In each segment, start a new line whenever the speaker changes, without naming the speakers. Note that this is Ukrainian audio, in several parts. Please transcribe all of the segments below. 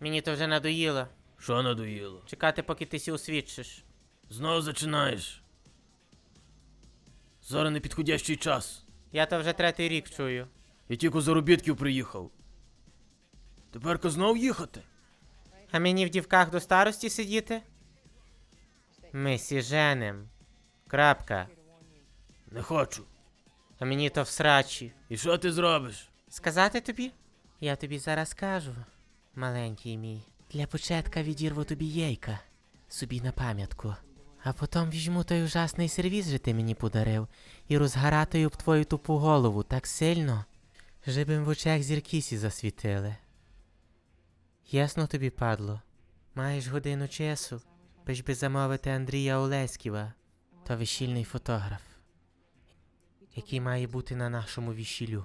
Мені то вже надоїло.
Що надоїло?
Чекати, поки ти сі освідчиш.
Знов починаєш. Зараз непідходящий час.
Я то вже третій рік чую.
Я тільки з заробітків приїхав. Теперка знов їхати?
А мені в дівках до старості сидіти? Ми сі женим. Крапка.
Не хочу.
А мені то в срачі.
І що ти зробиш?
Сказати тобі? Я тобі зараз кажу, маленький мій. Для початка відірву тобі яйка. Собі на пам'ятку. А потім візьму той ужасний сервіз, що ти мені подарив, і розгаратаю б твою тупу голову так сильно, щоби в очах зіркісі засвітили. Ясно тобі, падло? Маєш годину часу, бич би замовити Андрія Олеськіва, то весільний фотограф, який має бути на нашому весіллю.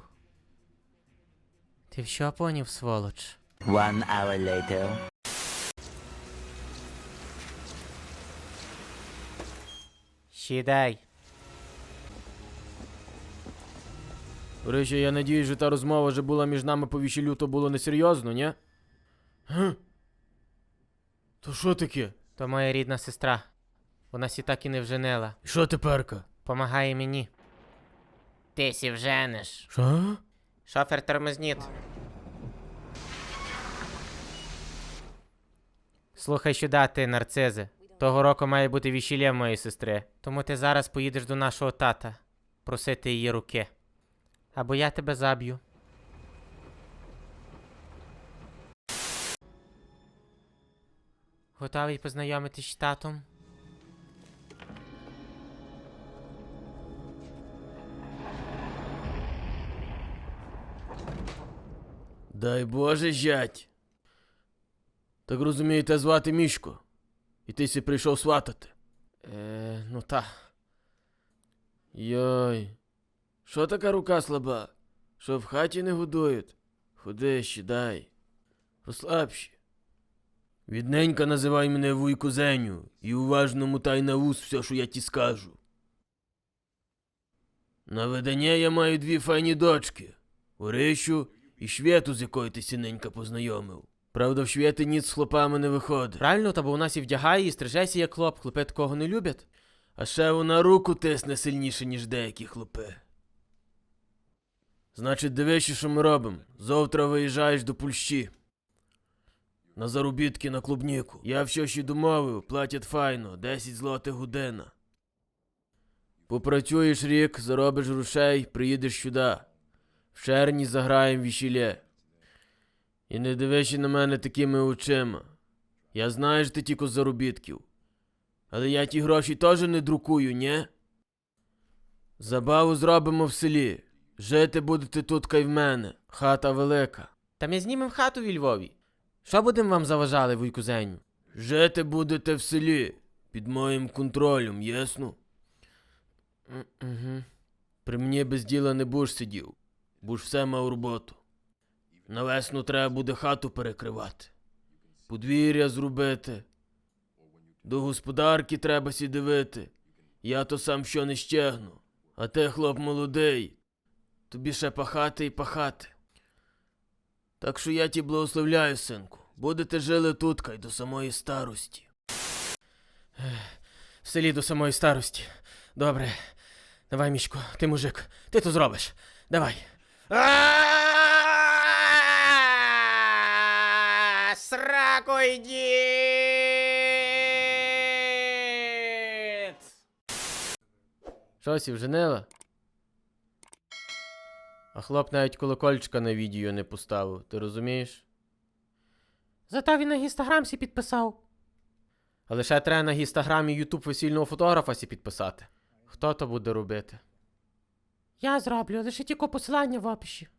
Ти що поняв, сволоч?
1 hour later.
Сідай.
До речі, я надіюсь, що та розмова вже була між нами по весіллю, то було несерйозно, ні? Га? То що таке?
То моя рідна сестра. Вона сі так і не вженила.
І що теперка?
Помагає мені. Ти сі вженеш.
Що?
Шофер, тормозніть. Слухай сюди, ти, нарцизи. Того року має бути весілля в моєї сестри. Тому ти зараз поїдеш до нашого тата. Просити її руки. Або я тебе заб'ю. Готовий познайомитись з татом?
Дай Боже, зять. Так розумію, те звати Мішко. І ти сі прийшов сватати.
Ну та.
Йой. Що така рука слаба? Що в хаті не годують? Ходи, сідай. Розслабші. Відненька називай мене вуйку Зеню і уважно мутай на вус все, що я ті скажу. На видання я маю 2 файні дочки. Орищу і Швєту, з якою ти сіненька познайомив. Правда, в Швєти ніц з хлопами не виходить.
Правильно, та бо у нас і вдягає, і стрижеся як хлоп. Хлопи такого не люблять.
А ще вона руку тисне сильніше, ніж деякі хлопи. Значить, дивишся, що ми робимо. Завтра виїжджаєш до Польщі. На заробітки на клубніку. Я все ще домовив, платять файно, 10 злотих година. Попрацюєш рік, заробиш грошей, приїдеш сюди. В червні заграєм весілля. І не дивишся на мене такими очима. Я знаю, що ти тільки з заробітків. Але я ті гроші теж не друкую, ні? Забаву зробимо в селі. Жити будете тут кай в мене. Хата велика.
Та ми знімемо хату у Львові. Що будемо вам заважали, вуйку Зеню?
Жити будете в селі. Під моїм контролем, ясно?
Угу.
При мені без діла не будеш сидів. Будеш все мав роботу. На весну треба буде хату перекривати. Подвір'я зробити. До господарки треба сі дивити. Я то сам що не щегну. А ти, хлоп молодий, тобі ще пахати і пахати. Так що я ті благословляю, синку. Будете жили тут, кай до самої старості.
В селі до самої старості. Добре. Давай, Мішко, ти мужик. Ти то зробиш. Давай. Срако йдіть!
Щось і вженила? А хлоп навіть колокольчика на відео не поставив, ти розумієш?
Зато він на Інстаграм сі підписав.
Але ще треба на Інстаграмі Ютуб весільного фотографа сі підписати. Хто то буде робити?
Я зроблю, лише тільки посилання в описі.